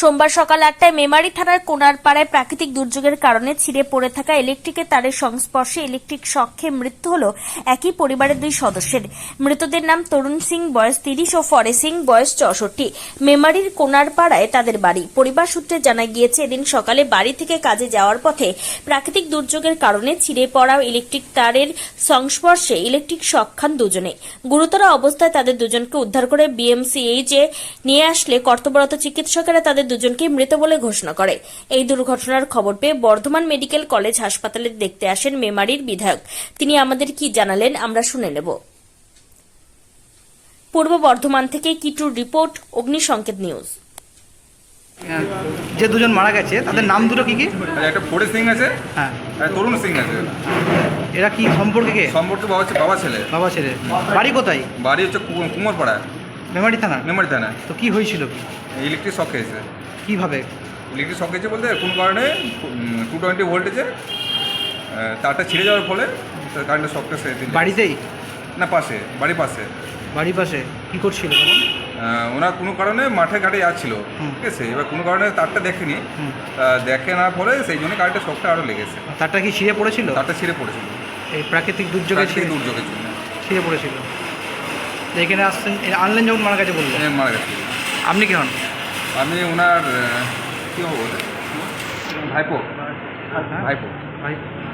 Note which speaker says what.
Speaker 1: সোমবার সকাল 8টায় মেমারি থানার কোনারপাড়ায় প্রাকৃতিক দুর্যোগের কারণে ছিঁড়ে পড়ে থাকা ইলেকট্রিকের তারের সংস্পর্শে ইলেকট্রিক শকে মৃত্যু হল একই পরিবারের দুই সদস্যের। মৃতদের নাম তরুণ সিং বয়স 30 ও ফরে সিং বয়স 64। মেমারির কোনারপাড়ায় তাদের বাড়ি। পরিবার সূত্রে জানা গিয়েছে, এদিন সকালে বাড়ি থেকে কাজে যাওয়ার পথে প্রাকৃতিক দুর্যোগের কারণে ছিঁড়ে পড়া ইলেকট্রিক তারের সংস্পর্শে ইলেকট্রিক শক খান দুজনে। গুরুতর অবস্থায় তাদের দুজনকে উদ্ধার করে বিএমসিএইচে নিয়ে আসলে কর্তব্যরত চিকিৎসকেরা তাদের দুজনকে মৃত বলে ঘোষণা করে। এই দুর্ঘটনার খবর পেয়ে বর্ধমান মেডিকেল কলেজ হাসপাতালে দেখতে আসেন মেমারির বিধায়ক। তিনি আমাদের কি জানালেন আমরা শুনে নেব। পূর্ব বর্ধমান থেকে কিটুর রিপোর্ট, অগ্নিসংকেত নিউজ।
Speaker 2: যে দুজন মারা গেছে তাদের নাম দুটো কি কি?
Speaker 3: একটা ফরে সিং আছে,
Speaker 2: হ্যাঁ,
Speaker 3: আর তরুণ সিং আছে।
Speaker 2: এরা কি সম্পর্কে কে?
Speaker 3: সম্পর্কে বাবা ছেলে।
Speaker 2: বাবা ছেলে। বাড়ি কোথায়?
Speaker 3: বাড়ি হচ্ছে কুমোরপাড়া,
Speaker 2: মেমারি থানা।
Speaker 3: মেমারি থানা।
Speaker 2: তো কি হয়েছিল?
Speaker 3: ইলেকট্রিক শক খেয়েছে।
Speaker 2: কিভাবে?
Speaker 3: ইলেকট্রিক শক খেয়েছে বলতে কোনো কারণে 220 ভোল্টেজে তারটা ছিঁড়ে যাওয়ার ফলে কারেন্টের শকটা সে
Speaker 2: বাড়িতেই?
Speaker 3: না, পাশে, বাড়ির পাশে।
Speaker 2: বাড়ির পাশে কি করছিল তখন?
Speaker 3: ওনার কোনো কারণে মাঠে ঘাটে যাচ্ছিল, ঠিক আছে। এবার কোনো কারণে তারটা দেখেনি, দেখে না পরে সেই জন্য কারেন্টের শকটা আরও লেগেছে।
Speaker 2: তারটা কি ছিঁড়ে পড়েছিল?
Speaker 3: তারটা ছিঁড়ে পড়েছিল
Speaker 2: এই প্রাকৃতিক দুর্যোগের
Speaker 3: জন্য
Speaker 2: ছিঁড়ে পড়েছিল। এখানে আসছেন, আনলেন যখন মারা গেছে বললেন।
Speaker 3: মারা গেছে।
Speaker 2: আপনি কি হন?
Speaker 3: আমি ওনার কী হবো, ভাইপো।
Speaker 2: ভাই